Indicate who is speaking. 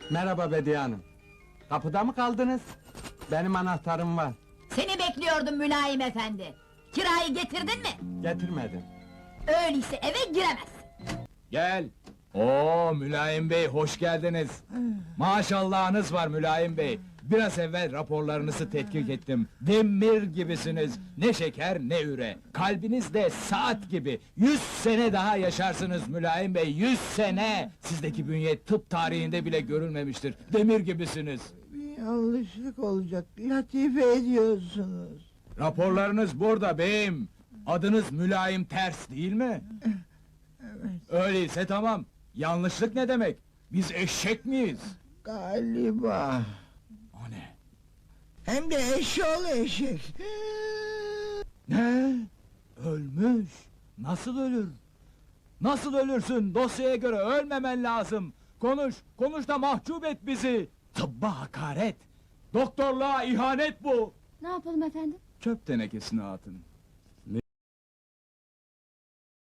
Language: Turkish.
Speaker 1: Merhaba Bediye Hanım. Kapıda mı kaldınız? Benim anahtarım var.
Speaker 2: Seni bekliyordum mülayim efendi. Kirayı getirdin mi?
Speaker 1: Getirmedim.
Speaker 2: Öyleyse eve giremezsin.
Speaker 3: Gel. Oo Mülayim Bey, hoş geldiniz. Maşallahınız var Mülayim Bey. Biraz evvel raporlarınızı tetkik ettim. Demir gibisiniz. Ne şeker ne üre. Kalbiniz de saat gibi. 100 sene daha yaşarsınız Mülayim Bey. 100 sene. Sizdeki bünye tıp tarihinde bile görülmemiştir. Demir gibisiniz.
Speaker 4: Bir yanlışlık olacak, latife ediyorsunuz.
Speaker 3: Raporlarınız burada beyim. Adınız Mülayim Ters değil mi?
Speaker 4: Evet,
Speaker 3: Öyleyse tamam. Yanlışlık ne demek? Biz eşek miyiz?
Speaker 4: galiba.
Speaker 3: O ne?
Speaker 4: Hem de eşoğlu eşek.
Speaker 3: Ne? Ölmüş. Nasıl ölür? Nasıl ölürsün? Dosyaya göre ölmemen lazım. Konuş, konuş da mahcup et bizi. Tıbba hakaret. Doktorluğa ihanet bu.
Speaker 2: Ne yapalım efendim?
Speaker 3: Çöp tenekesine atın.